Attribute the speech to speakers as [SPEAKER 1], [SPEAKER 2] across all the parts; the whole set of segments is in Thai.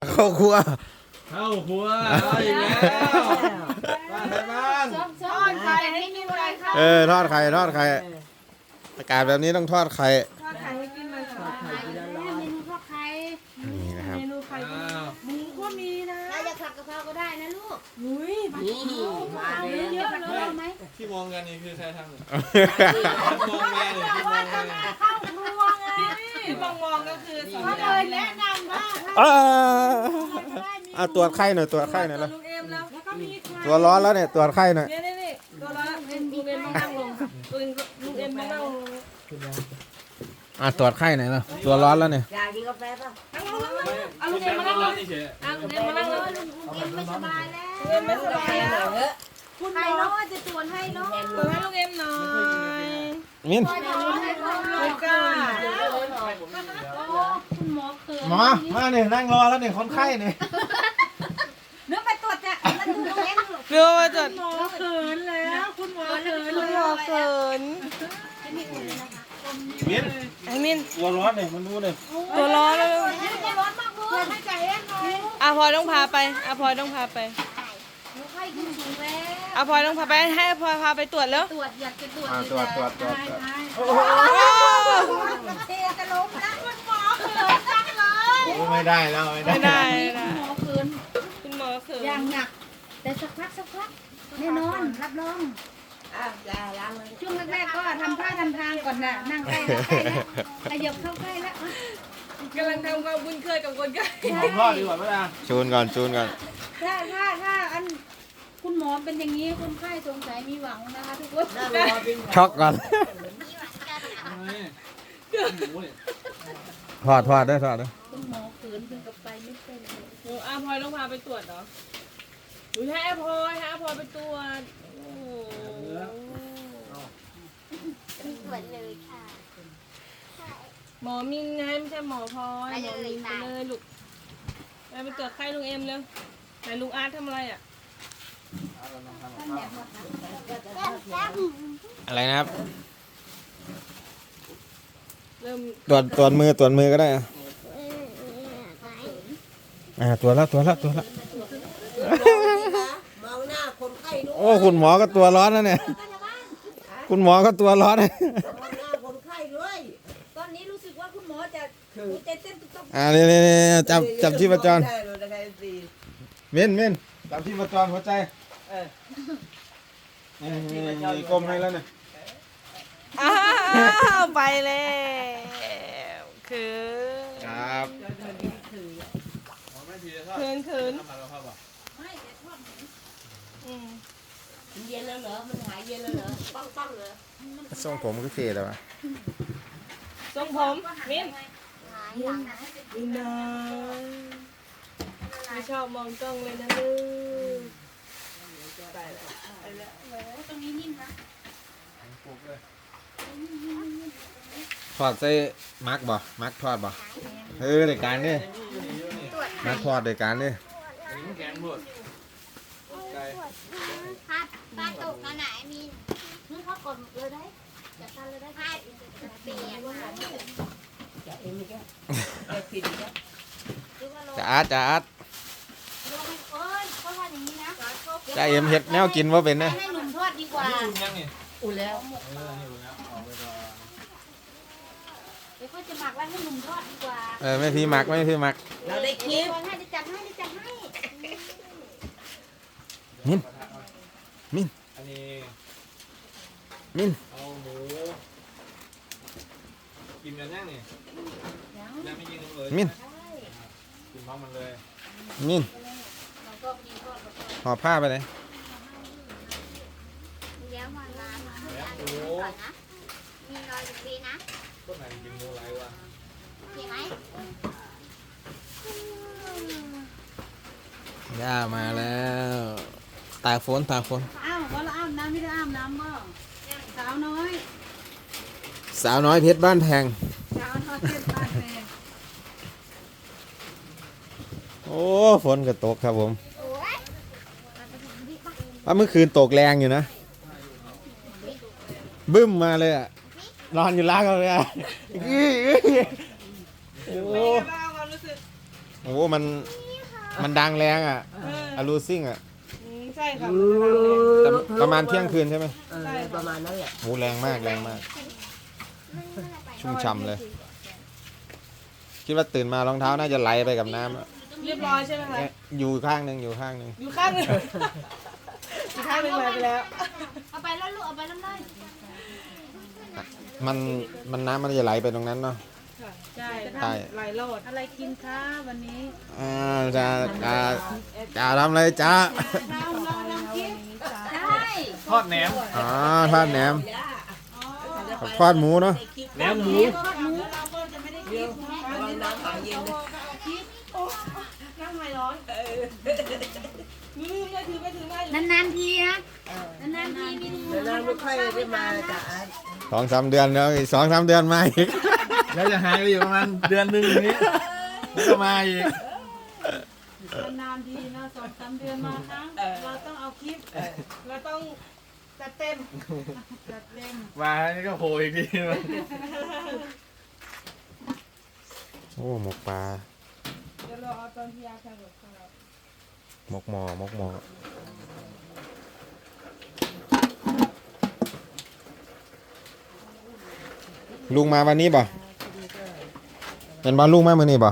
[SPEAKER 1] เข้าครัว
[SPEAKER 2] เข้าครัวอีกแล้วบ้านไหนบ้าน
[SPEAKER 3] ทอดไข่ให้กินอะไรคะ
[SPEAKER 1] ทอดไข่ทอดไข่อากาศแบบนี้ต้องทอดไข่
[SPEAKER 3] ทอดไข่ให้กินเลยค่ะ
[SPEAKER 4] เมนูทอดไข่
[SPEAKER 1] นี่นะครับ
[SPEAKER 3] เมนูไข่
[SPEAKER 2] อ้าว
[SPEAKER 3] หมูก็มีนะ
[SPEAKER 4] เราจะผัดกะเพราก็ได้นะลูก
[SPEAKER 3] อุ้ยมา
[SPEAKER 4] นี่มาเลย
[SPEAKER 3] เยอะเลย
[SPEAKER 4] ไหม
[SPEAKER 2] ที่มองกันนี่คือใครทำเนี่ยมองแม่เนี่ยที่มองกันเนี่ย
[SPEAKER 3] เข้าครัวไงที่มองก็คือก็เลยแนะนำว่า
[SPEAKER 1] ตรวจไข่หน่อยตรวจไข่หน่อยแล้ว
[SPEAKER 3] ลุงเอ็มแล้วก็มีไข่
[SPEAKER 1] ตัวร้อนแล้วเนี่ยตรวจไข่หน่อย
[SPEAKER 3] นี่ตัวละลุงเอ็มมานั่งลงลุงเอ็มมานั่งลง
[SPEAKER 1] ตรวจไข่หน่อยแล้วตัวร้อนแล้วเนี่ย
[SPEAKER 4] อยากกินกาแฟป่ะ
[SPEAKER 3] นั่งลงเอาลุงเอ็มมานั่งลง
[SPEAKER 2] นี่เฉย
[SPEAKER 3] ลุงเอ็มมานั่งลง
[SPEAKER 4] ลุงเอ็มไม่สบายแล้ว
[SPEAKER 3] ลุงเอ็มไม่สบายแล้ว
[SPEAKER 4] คุณใครเนาะจะตรวจให้เนาะ
[SPEAKER 3] เปิดให้ลุงเอ็มหน่อย
[SPEAKER 1] มิ้น
[SPEAKER 3] ไม่กล้า
[SPEAKER 4] คุณหมอเขิน
[SPEAKER 1] หมอมาเนี่ยนั่งรอแล้วเนี่ยคนไข้เนี่ย
[SPEAKER 4] เนื้อไปตรวจจ้ะแล้วดูลุงเอ็ม
[SPEAKER 3] เรือมาจัดหมอเขินแล้วคุณหมอเขินคุณหมอเขิน
[SPEAKER 1] มิ้น
[SPEAKER 3] ไอ้มิน
[SPEAKER 1] ตัวร้อนเนี่ยมันรู้เลย
[SPEAKER 3] ตัวร้อนแล้ว
[SPEAKER 4] ร้อนมากเลยให้ใจเอ็นหน่อย
[SPEAKER 3] อาพลอยต้องพาไปอาพลอยต้องพาไป
[SPEAKER 4] หนูไข้ขึ้นสูงแล้ว
[SPEAKER 3] อาพลอยต้องพาไปให้อาพลอยพาไปตรวจแล้ว
[SPEAKER 4] ตรวจอยากจะตรวจ
[SPEAKER 1] ตรวจ
[SPEAKER 4] เทจะล้มนะคุณหมอเขินจังเลย
[SPEAKER 1] ไม่ได้แล้วไม่
[SPEAKER 3] ไม่ได้
[SPEAKER 4] คุณหมอเขิน
[SPEAKER 3] คุณหมอเขิน
[SPEAKER 4] อย่างหนัก แต่สักพักแน่นอนรับรองช่วงแรกๆก็ทำท่าทำทางก่อนนะนั่งใกล้แล้วขยับเข้าใกล้แล้ว
[SPEAKER 3] กำลังทำความคุ้นเคยกับคนไข้
[SPEAKER 2] ผมรอดดีกว่าไหมล่ะ
[SPEAKER 1] จูนก่อนจูนก่อน
[SPEAKER 4] ถ้าอันคุณหมอเป็นอย่างนี้คนไข้สงสัยมีหวังนะคะทุกคน
[SPEAKER 1] ช็อกก่อนถอดได้ถอดได้
[SPEAKER 4] คุณหมอเขินถึงกับไปไม่เป็นเลย
[SPEAKER 3] หนูอาพลอยต้องพาไปตรวจเหรอหนูให้อาพลอยไปตรวจโอ้โห
[SPEAKER 4] ตรวจเลยค่ะ
[SPEAKER 3] หมอมินไงไม่ใช่หมอพลอยหมอมินไปเลยลูกไปตรวจไข้ลุงเอ็มเร็วไหนลุงอาร์ตทำอะไรอ่ะ
[SPEAKER 1] อะไรนะครับ
[SPEAKER 3] เริ่ม
[SPEAKER 1] ตรวจมือก็ได้ตรวจแล้ว
[SPEAKER 4] มองหน้าคนไข้ด้วย
[SPEAKER 1] โอ้คุณหมอก็ตัวร้อนนะเนี่ยคุณหมอก็ตัวร้อน
[SPEAKER 4] มองหน้าคนไข้ด้วยตอนนี้รู้สึกว่าคุณหมอจะหัวใจเต้นตุ๊บ
[SPEAKER 1] นี่จับชีพจรมิ้นจับชีพจรหัวใจนี่ก้มให้แล้วเนี่ย
[SPEAKER 3] อ้าวไปแล้วคือ
[SPEAKER 1] ครับ
[SPEAKER 3] คืนอืม
[SPEAKER 4] เย็นแล้วเหรอมันหายเย็นแล้วเหรอปังเหรอ
[SPEAKER 1] ทรงผมก็เท่แล้ววะ
[SPEAKER 3] ทรงผมมิน
[SPEAKER 4] หายหลังนะ
[SPEAKER 3] มินนะไม่ชอบมองกล้องเลยนะลูกไปแล้ว
[SPEAKER 4] ตรงนี้นิ่มนะ
[SPEAKER 1] ทอดใส่มักบ่มักทอดบ่รายการนี่มักทอดรายการนี่
[SPEAKER 2] แกงบดไก่
[SPEAKER 4] ป้าตกมาไหนมีนึกเขากดเลยได้จัดการเลยได้ป้าเปลี่ยนมาจะเอ็มอีกแล้วจะผิดอีกแล้ว
[SPEAKER 1] จะอาร์ต
[SPEAKER 4] โอ้ยเขาทำอย่างนี้นะ
[SPEAKER 1] จะเอ็มเฮ็ดแนวกินว่าเป็นนะ
[SPEAKER 4] ให้หนุ่มทอดดีกว่า
[SPEAKER 2] นี่อุ่นยังนี่
[SPEAKER 4] อุ่นแล้ว
[SPEAKER 2] นี่อุ่นแล้วออกไปก่อน
[SPEAKER 4] เดี๋ยวเขาจะหมักไว้ให้หนุ่มทอดดีกว่า
[SPEAKER 1] ไม่พี่มัก
[SPEAKER 4] เราได้คลิปให้จะจัดให้
[SPEAKER 1] มิ้น
[SPEAKER 2] อันนี้
[SPEAKER 1] มิ้น
[SPEAKER 2] เอาหมูกินกันยังนี่ยังไม่กินเลย
[SPEAKER 1] มิ้น
[SPEAKER 2] กินพร้อมมันเลย
[SPEAKER 1] มิ้นห่อผ้าไปเลย
[SPEAKER 4] เดี๋ยวมาร้าน
[SPEAKER 2] แล้วหมู
[SPEAKER 4] ก่อนนะมีรอยอยู่ปีนะ
[SPEAKER 2] ต้นไหนกินหมูไรวะ
[SPEAKER 4] เห็นไหม
[SPEAKER 1] ย่ามาแล้วตากฝน
[SPEAKER 5] อ้าวว่าเราอาบน้ำไม่ได้อาบน้ำบ่สาวน้อย
[SPEAKER 1] สาวน้อยเพชรบ้านแพง
[SPEAKER 5] สาวน้อยเจ็ดบ้านแม่
[SPEAKER 1] โอ้ฝนก็ตกครับผมว่าเมื่อคืนตกแรงอยู่นะบึ้มมาเลยอ่ะนอนอยู่ล่างเลยอ่ะโอ้
[SPEAKER 3] บ้าความรู้สึก
[SPEAKER 1] โหมันมันดังแรงอ่ะ
[SPEAKER 3] เอ
[SPEAKER 1] อะลูซิ่งอ่ะ
[SPEAKER 3] ใช่ค่ะ
[SPEAKER 1] แต่ประมาณเที่ยงคืนใช่ไหม
[SPEAKER 5] ประมาณนั้นแหละ
[SPEAKER 1] โหแรงมากแรงมาก ชุ่มฉ่ำเลย คิดว่าตื่นมารองเท้าน่าจะไหลไปกับน้ำอะ
[SPEAKER 3] เรียบร้อยใช่ไหมคะ
[SPEAKER 1] อยู่ข้างหนึ่งอยู่ข้างหนึ่ง
[SPEAKER 3] อยู่ข้างหนึงอยู่ข้างหนึงเลยไปแล้ว
[SPEAKER 4] เอาไปแล้วลูกเอาไปแล้วเลย
[SPEAKER 1] มันน้ำมันจะไหลไปตรงนั้นเนาะ
[SPEAKER 3] ใช่
[SPEAKER 1] ใช่
[SPEAKER 3] ไหลโลด
[SPEAKER 5] อะไรกินคะวันนี้
[SPEAKER 1] จ้าทำอะไรจ้า
[SPEAKER 5] เราคิด
[SPEAKER 4] ใช่
[SPEAKER 2] ทอดแหนม
[SPEAKER 1] อ๋อทอดแหนมกับทอดหมูเนาะ
[SPEAKER 2] แหนมหมู
[SPEAKER 5] เราก็จะไม่ได้คิดนะ
[SPEAKER 3] นั่งไมร้อนลืมเลยถือไปถือมาอยู่
[SPEAKER 4] นานๆทีนะนานๆทีมีหมู
[SPEAKER 5] นานไม่ค่อยได้มาจ้ะ
[SPEAKER 1] 2-3 เดือนแล้วอีก2-3 เดือนมาอีก
[SPEAKER 2] แล้วจะหายไปอยู่ประมาณเดือนหนึงอย่างนี้แล้วก็มาอีก
[SPEAKER 5] นานๆทีนะ2-3 เดือนมาครั้งเราต้องเอาคลิป
[SPEAKER 3] เราต้องจัดเต็ม
[SPEAKER 5] จัดเล่ม
[SPEAKER 2] มานี่ก็โผล่อีกทีมัน
[SPEAKER 1] โอ้หมกปลา
[SPEAKER 3] เดี๋ยวเราเอาตอนที่ยาทำกับข้าว
[SPEAKER 1] หมกหมอหมกหมอลุงมาวันนี้ป่ะเป็นบ้านลุงมาเมื่อนี้ป่ะ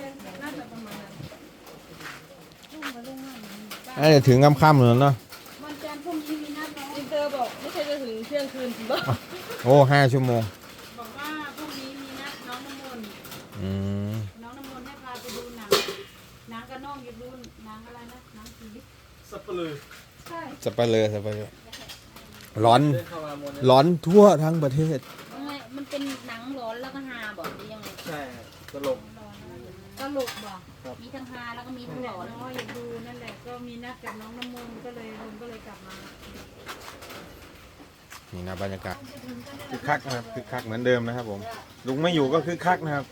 [SPEAKER 1] น่าจะถึงค่ำๆเลยเนาะ
[SPEAKER 5] วันจันทร์พรุ่งนี้มีนัดน้อง
[SPEAKER 3] อินเตอร์บอกไม่ใช่จะถึงเที่ยงคืนถึงบ้า
[SPEAKER 1] โอ้5 ชั่วโมง
[SPEAKER 5] บอกว่าพรุ่งนี้มีนัดน้องน้ำมนต์
[SPEAKER 1] อืม
[SPEAKER 5] น้องน้ำมนต์ให้พาไปดูหนังกระน้องอยู่ดูหนังอะไรนะหนังผี
[SPEAKER 2] สับปะเลย
[SPEAKER 5] ใช่
[SPEAKER 1] สเปเลยสเปเลยร้อน
[SPEAKER 2] เดินเข้ามามนต์
[SPEAKER 1] ร้อนทั่วทั้งประเทศ
[SPEAKER 4] มันเป็นหนังร้อนแล้วก็ฮาบอกหรือยังไง
[SPEAKER 2] ใช่ตลก
[SPEAKER 5] ตลกบอก
[SPEAKER 4] มีทั้งฮาแล้วก็มีทั้งหลอน
[SPEAKER 5] น้อยอยากดูนั่นแหละก็มีนัดกับน้องน้ำมนต์ก็เลยลุงก็เลยกลับมา
[SPEAKER 1] นี่นะบรรยากาศคึกคักนะครับคึกคักเหมือนเดิมนะครับผมลุงไม่อยู่ก็คึกคักนะครับ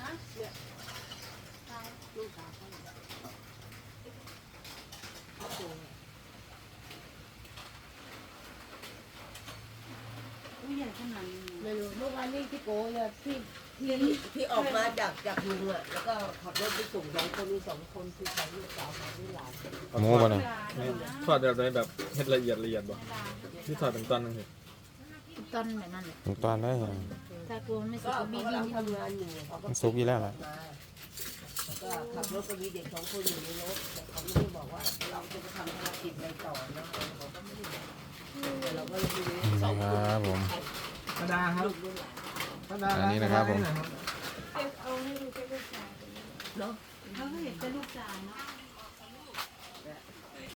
[SPEAKER 5] ผู้ใหญ่ขนาดนี้
[SPEAKER 6] ไม่รู้เมื่อวานนี้ที่โกเนี่ยที่ออกมาจากลุงอ่ะแล้วก็ขับรถไปส่ง2 คนมี2 คนคือของลูกสาวของลูกหลาน
[SPEAKER 1] หมูป่ะเนี่ย
[SPEAKER 2] ทอดแบบไหนแบบเฮ็ดละเอียดบ่ที่ทอดเป็นตอนนึงสิ
[SPEAKER 4] ต้นแบบนั้นเลย
[SPEAKER 1] หมูตอนได้เหรอ
[SPEAKER 4] ถ้ากลัวมันไม่สุ
[SPEAKER 6] ก็
[SPEAKER 4] กก็มี
[SPEAKER 6] กำ
[SPEAKER 4] ดิ
[SPEAKER 6] ลัง
[SPEAKER 4] น
[SPEAKER 6] ทำงานอยู่เขาก็
[SPEAKER 1] มันซุกอยู่แล้วแหละ
[SPEAKER 6] มาแล้วก็ขับรถไปมีเด็ก2 คนอยู่ในรถแต่เขาไม่ได้บอกว่าเราจะไปทำภารกิจอะไรต่อนะเขาก็ไม่ได้บอกแต่เราก็เลยดู
[SPEAKER 1] นี่นะครับผม
[SPEAKER 2] ธรรมดาครับธรรมดา
[SPEAKER 1] อันนี้นะครับผม
[SPEAKER 3] เอาให้ดูแค่ลูกชาย
[SPEAKER 5] เขาก็เห็นเป็นลูกสาวเนาะ